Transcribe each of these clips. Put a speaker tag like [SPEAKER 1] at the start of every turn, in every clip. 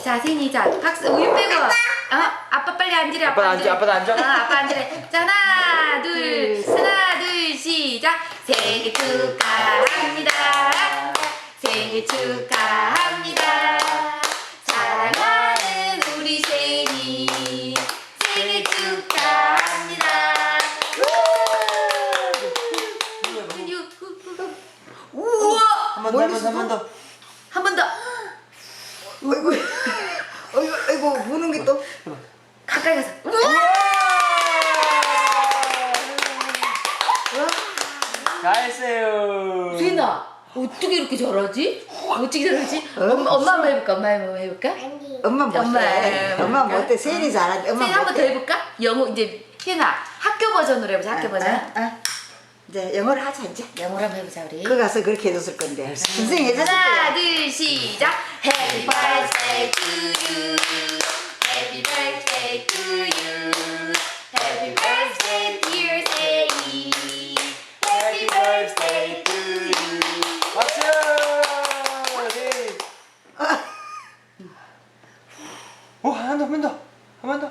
[SPEAKER 1] 자, 세인이, 자, 박수, 우유 빼고. 아빠 빨리 앉으래, 아빠 앉으래.
[SPEAKER 2] 아빠도 앉아?
[SPEAKER 1] 아빠 앉으래. 자, 하나, 둘, 시작. 생일 축하합니다. 생일 축하합니다. 사랑하는 우리 세인이 생일 축하합니다. 우와!
[SPEAKER 2] 한 번 더.
[SPEAKER 1] 한 번 더.
[SPEAKER 3] 어이구 부는 게 또.
[SPEAKER 1] 가까이 가서.
[SPEAKER 2] 잘했어요.
[SPEAKER 1] 세인아, 어떻게 이렇게 잘하지? 엄마 한번 해볼까? 엄마 한번 해볼까?
[SPEAKER 3] 엄마 못해. 엄마 못해. 세인이 잘하지. 엄마
[SPEAKER 1] 세인 한번 더
[SPEAKER 3] 못해.
[SPEAKER 1] 해볼까? 영어 이제 세인아 학교 버전으로 해보자. 학교 버전.
[SPEAKER 3] 이제 영어를 하자 이제.
[SPEAKER 1] 영어로 한번 해보자 우리.
[SPEAKER 3] 그 가서 그렇게 해줬을 건데. 선생님 해줬을
[SPEAKER 1] 하나,
[SPEAKER 3] 거야.
[SPEAKER 1] 둘, 시작. Happy birthday to you. Happy birthday to you. Happy birthday dear 세이. Happy birthday to you.
[SPEAKER 2] 박수. 네. 한 번 더.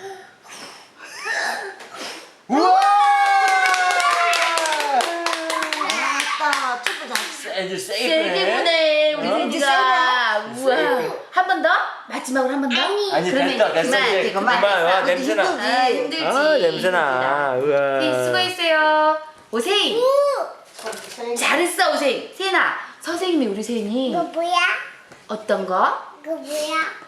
[SPEAKER 2] 우와!
[SPEAKER 3] 아따 춤도 잘.
[SPEAKER 2] 아주
[SPEAKER 1] 세게
[SPEAKER 2] 세이프네.
[SPEAKER 1] 보네 우리 세이가. 우와.
[SPEAKER 2] 세이프.
[SPEAKER 1] 한 번 더? 마지막으로 한 번 더?
[SPEAKER 2] 아니
[SPEAKER 1] 그러면
[SPEAKER 2] 됐어
[SPEAKER 1] 그만.
[SPEAKER 2] 이제
[SPEAKER 3] 그만.
[SPEAKER 2] 그만. 냄새나.
[SPEAKER 1] 힘들지.
[SPEAKER 2] 냄새나. 우와.
[SPEAKER 1] 세인 수고했어요. 오세인. 잘했어 오세인. 세인아 선생님이 우리 세인이
[SPEAKER 4] 이거 뭐야?
[SPEAKER 1] 어떤 거?
[SPEAKER 4] 이거 뭐야?